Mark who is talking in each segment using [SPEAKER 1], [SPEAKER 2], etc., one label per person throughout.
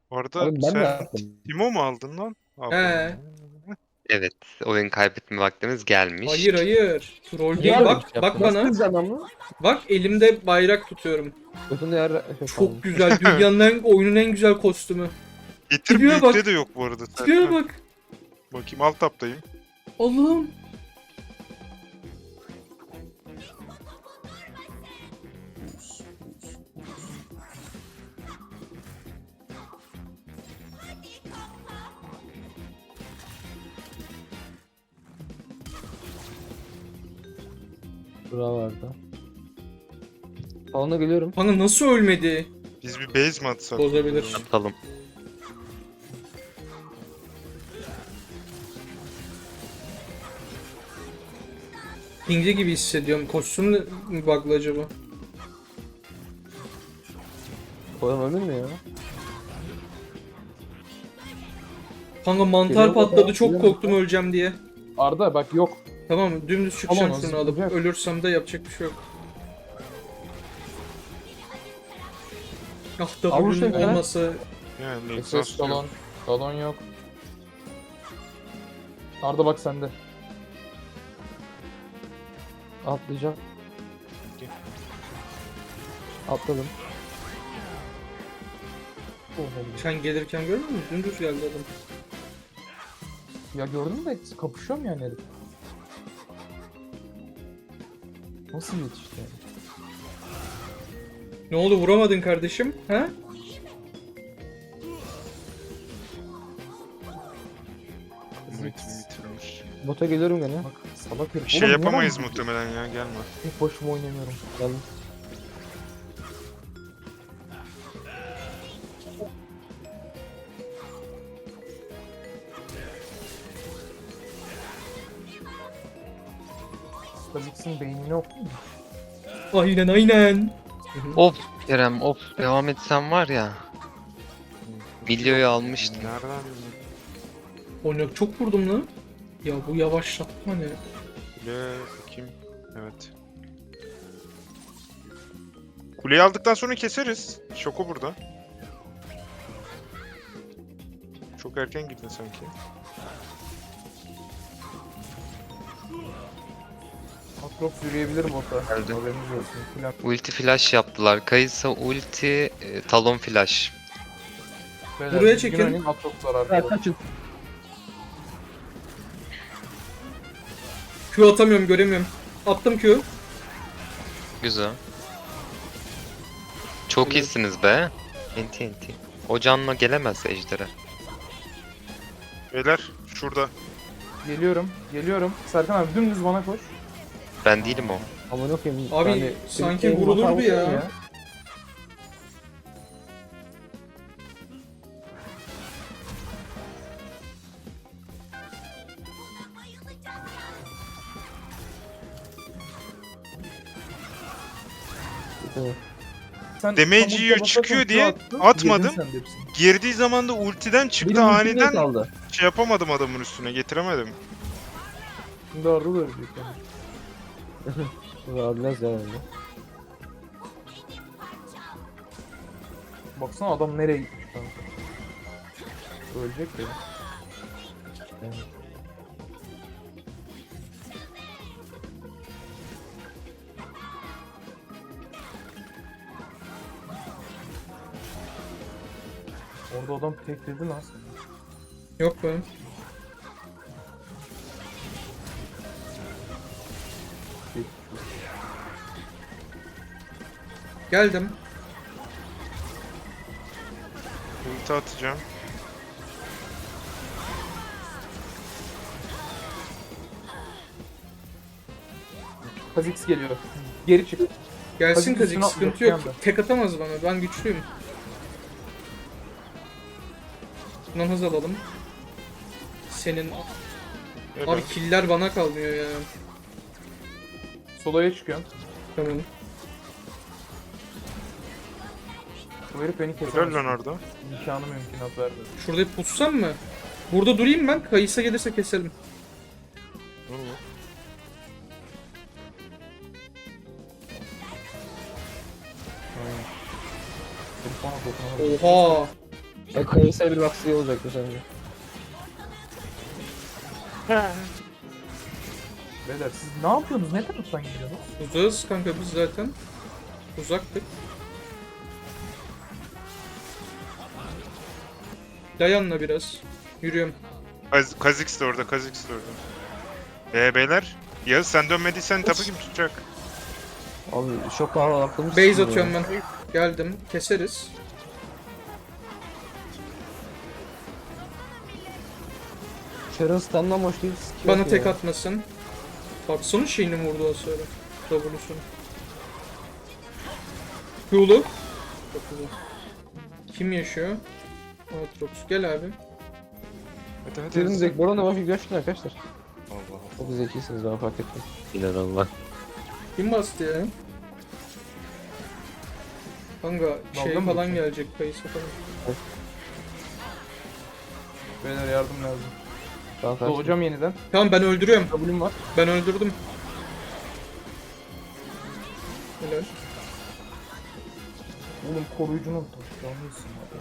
[SPEAKER 1] Bu arada
[SPEAKER 2] Abi ben de
[SPEAKER 1] sen
[SPEAKER 2] yaptım.
[SPEAKER 1] Timo mu aldın lan?
[SPEAKER 3] He.
[SPEAKER 4] Evet, oyun kaybetme vaktimiz gelmiş.
[SPEAKER 3] Hayır hayır. Troll
[SPEAKER 2] Niye
[SPEAKER 3] değil.
[SPEAKER 2] böyle
[SPEAKER 3] Bak
[SPEAKER 2] bir şey
[SPEAKER 3] bak
[SPEAKER 2] yaptın? Nasıl
[SPEAKER 3] bana.
[SPEAKER 2] kızacaksın ama?
[SPEAKER 3] Bak elimde bayrak tutuyorum.
[SPEAKER 2] Götünde yer
[SPEAKER 3] Çok güzel. Dünyanın oyunun en güzel kostümü.
[SPEAKER 1] Getir
[SPEAKER 3] Tipiye
[SPEAKER 1] büyükte
[SPEAKER 3] bak.
[SPEAKER 1] de yok bu arada.
[SPEAKER 3] Tipiye
[SPEAKER 1] Serkan.
[SPEAKER 3] bak.
[SPEAKER 1] Bakayım alt taptayım.
[SPEAKER 3] Allah'ım.
[SPEAKER 2] Bravo Arda. Salona geliyorum.
[SPEAKER 3] Bana nasıl ölmedi?
[SPEAKER 1] Biz bir base mi atsak?
[SPEAKER 3] Bozabilir.
[SPEAKER 4] Atalım.
[SPEAKER 3] Pingli gibi hissediyorum. Kostüm mü bug'lı acaba?
[SPEAKER 2] Oğlum öldün mü ya?
[SPEAKER 3] Kanka mantar
[SPEAKER 2] Geliyor
[SPEAKER 3] patladı.
[SPEAKER 2] baba,
[SPEAKER 3] Çok
[SPEAKER 2] geliyor
[SPEAKER 3] korktum öleceğim diye.
[SPEAKER 2] Arda bak yok.
[SPEAKER 3] Tamam dümdüz çıkacağım
[SPEAKER 2] Alamaz,
[SPEAKER 3] şunu alıp.
[SPEAKER 2] zıplayacak.
[SPEAKER 3] Ölürsem de yapacak bir şey yok. Ah da
[SPEAKER 2] Avuç
[SPEAKER 3] bugün
[SPEAKER 2] ne ya?
[SPEAKER 3] olmasa
[SPEAKER 1] Yani
[SPEAKER 2] SS
[SPEAKER 1] exhaust yok.
[SPEAKER 2] salon. Salon yok. Arda bak sende. Atlayacağım. Atladım.
[SPEAKER 3] sen gelirken görmüyor musun? Dümdüz geldi adam.
[SPEAKER 2] Ya gördün de kapışıyorum yani herif. Nasıl yetişti yani?
[SPEAKER 3] Ne oldu vuramadın kardeşim? Ha?
[SPEAKER 1] Ultimi bitirmiş.
[SPEAKER 2] Bota geliyorum gene. Bak salak herif.
[SPEAKER 1] Bir şey
[SPEAKER 2] Oğlum,
[SPEAKER 1] yapamayız
[SPEAKER 2] neden
[SPEAKER 1] muhtemelen ya, gelme.
[SPEAKER 2] tek başıma oynamıyorum. Geldim. Kha'Zix'in beynini okudun mu?
[SPEAKER 3] Aynen aynen.
[SPEAKER 4] Of Kerem, of devam etsem var ya. Milyoyu almıştım.
[SPEAKER 1] Nereden?
[SPEAKER 3] Oynak çok vurdum lan. Ya bu yavaşlatma ne?
[SPEAKER 1] Kule bakayım. Evet. Kuleyi aldıktan sonra keseriz. Şoko burada. Çok erken girdin sanki.
[SPEAKER 2] Atrox yürüyebilir bota.
[SPEAKER 4] Geldi.
[SPEAKER 2] Haberiniz olsun. Plan.
[SPEAKER 4] Ulti flash yaptılar. Kayısa ulti, talon flash.
[SPEAKER 2] Beyler,
[SPEAKER 3] Buraya
[SPEAKER 2] düzgün
[SPEAKER 3] çekin.
[SPEAKER 2] oynayın, Atrox var arkada. Kaçın.
[SPEAKER 3] Q atamıyorum göremiyorum. Attım Q.
[SPEAKER 4] Güzel. Çok
[SPEAKER 3] Evet.
[SPEAKER 4] iyisiniz be. Enti enti. O canla gelemez ejderha.
[SPEAKER 1] Beyler şurada.
[SPEAKER 2] Geliyorum. Geliyorum. Serkan abi dümdüz bana koş.
[SPEAKER 4] Ben değilim o.
[SPEAKER 2] Aman okuyayım.
[SPEAKER 3] Abi, sanki vurulurdu ya.
[SPEAKER 2] Sen
[SPEAKER 1] Damage
[SPEAKER 2] tam
[SPEAKER 1] yiyor,
[SPEAKER 2] ultiye
[SPEAKER 1] çıkıyor
[SPEAKER 2] basarsan
[SPEAKER 1] diye
[SPEAKER 2] Q attın,
[SPEAKER 1] atmadım.
[SPEAKER 2] yedin sen de hepsini.
[SPEAKER 1] Girdiği zaman da ultiden çıktı
[SPEAKER 2] Benim ultim
[SPEAKER 1] aniden,
[SPEAKER 2] de kaldı.
[SPEAKER 1] şey yapamadım adamın üstüne, getiremedim.
[SPEAKER 2] Şimdi Arda da ölecek yani. Ölmez ya öyle. Baksana adam nereye gitmiş kanka. Ölecek ya. Yani. Orada adam tekledi lan.
[SPEAKER 3] Yok be. Geldim.
[SPEAKER 1] Ulti atacağım.
[SPEAKER 2] Kha'Zix geliyor. Geri çık.
[SPEAKER 3] Gelsin
[SPEAKER 2] Hadi
[SPEAKER 3] Kazik
[SPEAKER 2] üstüne
[SPEAKER 3] sıkıntı
[SPEAKER 2] at,
[SPEAKER 3] yok.
[SPEAKER 2] bir anda.
[SPEAKER 3] Tek atamaz bana. Ben güçlüyüm. Bundan hız alalım. Senin...
[SPEAKER 1] Evet.
[SPEAKER 3] Abi killer bana kalmıyor ya.
[SPEAKER 2] Solo'ya çıkıyorum.
[SPEAKER 3] Tamam.
[SPEAKER 2] Bu herif beni
[SPEAKER 1] Helal
[SPEAKER 2] kesemez.
[SPEAKER 1] lan orada.
[SPEAKER 2] İmkanı mümkünat vermedi.
[SPEAKER 3] Şurada bir pussam mı? Burada durayım ben. Kayısa gelirse keselim.
[SPEAKER 1] Olur mu?
[SPEAKER 2] Herif bana dokunamadı.
[SPEAKER 3] Oha!
[SPEAKER 2] Kayısıya bir baksı iyi olacaktı sence.
[SPEAKER 5] Beyler siz ne yapıyorsunuz? Ne taraftan gidiyorsunuz?
[SPEAKER 3] Uzağız kanka biz zaten. Uzaktık. Dayanla biraz. Yürüyorum.
[SPEAKER 1] Kha'Zix de orada, Kha'Zix de orada. Beyler. Yağız sen dönmediysen tapu kim tutacak?
[SPEAKER 2] Abi şok pahalı aklımız.
[SPEAKER 3] Base atıyorum ben. Geldim. Keseriz.
[SPEAKER 2] Sharon stand'dan boş değil. skill
[SPEAKER 3] Bana
[SPEAKER 2] atıyor
[SPEAKER 3] tek
[SPEAKER 2] ya.
[SPEAKER 3] atmasın. Baksana şeyini vurdu o sonra. W'sunu. Q'lu. Çok güzel. Kim yaşıyor? Aatrox. Gel abi.
[SPEAKER 1] Hadi hadi.
[SPEAKER 2] Sharon direkt Boran'a bak gerçekten arkadaşlar.
[SPEAKER 1] Allah Allah.
[SPEAKER 2] Çok zekisiniz ben fark ettim.
[SPEAKER 4] İnanılmaz.
[SPEAKER 3] Kim bastı ya? Kanka şey
[SPEAKER 5] Dalga mı
[SPEAKER 3] falan
[SPEAKER 5] geçiyorsun?
[SPEAKER 3] gelecek. Kayısı falan.
[SPEAKER 5] Beyler yardım lazım.
[SPEAKER 2] Tamam kaçtım.
[SPEAKER 5] Doğacağım yeniden.
[SPEAKER 3] Tamam ben öldürüyorum.
[SPEAKER 2] W'm var.
[SPEAKER 3] Ben öldürdüm. Helal.
[SPEAKER 5] Oğlum koruyucunu unuttum. Yanlışsın abi.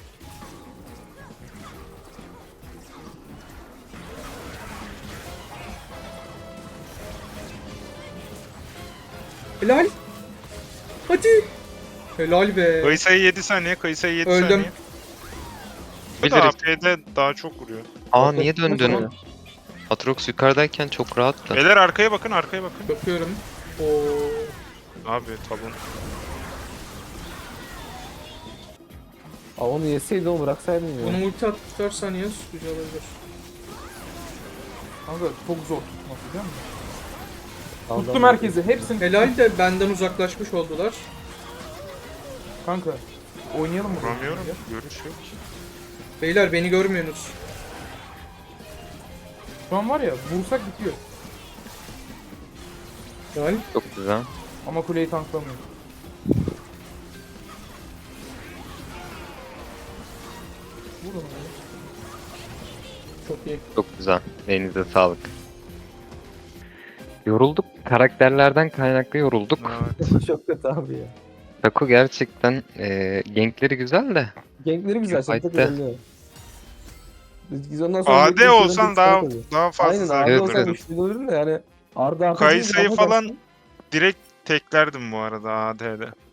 [SPEAKER 3] Helal. Hadi. Helal be.
[SPEAKER 1] Kayısa'yı 7 saniye, Kayısa'yı 7
[SPEAKER 3] Öldüm.
[SPEAKER 1] saniye. Bu da
[SPEAKER 4] Biliriz.
[SPEAKER 1] AP'de daha çok vuruyor.
[SPEAKER 4] Aa niye döndün?
[SPEAKER 2] Tamam.
[SPEAKER 4] Atrox yukarıdayken çok rahattı.
[SPEAKER 1] Beyler arkaya bakın, arkaya bakın.
[SPEAKER 3] Bakıyorum. Oo.
[SPEAKER 1] Abi tabun.
[SPEAKER 2] Aa onu yeseydi onu bıraksaydın ya.
[SPEAKER 3] Bunu ulti atarsan yaz. Güzel olur.
[SPEAKER 5] Kanka çok zor tutmak biliyor musun?
[SPEAKER 2] Tamam,
[SPEAKER 5] Tuttum
[SPEAKER 2] tamam.
[SPEAKER 5] herkesi. Hepsini.
[SPEAKER 3] Helal de benden uzaklaşmış oldular.
[SPEAKER 5] Kanka. Oynayalım mı?
[SPEAKER 1] Vuramıyorum. Görüş yok.
[SPEAKER 3] Beyler beni görmüyorsunuz.
[SPEAKER 5] Şu an var ya vursak bitiyor.
[SPEAKER 3] Helal.
[SPEAKER 4] Çok güzel.
[SPEAKER 5] Ama kuleyi tanklamıyor. Vurun abi.
[SPEAKER 3] Çok iyi.
[SPEAKER 4] Çok güzel. Elinize sağlık. Yorulduk. Karakterlerden kaynaklı yorulduk.
[SPEAKER 1] Evet.
[SPEAKER 2] Çok kötü abi ya.
[SPEAKER 4] Taco gerçekten gankleri güzel de.
[SPEAKER 2] Gankleri güzel. Sen tek
[SPEAKER 4] Fight'te.
[SPEAKER 2] önemli. Biz ondan sonra...
[SPEAKER 1] AD olsan daha fazla
[SPEAKER 2] Aynen
[SPEAKER 1] zarar
[SPEAKER 2] AD
[SPEAKER 4] Evet,
[SPEAKER 2] olsan
[SPEAKER 4] evet.
[SPEAKER 2] güçlü olurdun da yani. Arda
[SPEAKER 1] Kayısı'yı falan direkt teklerdim bu arada AD'de.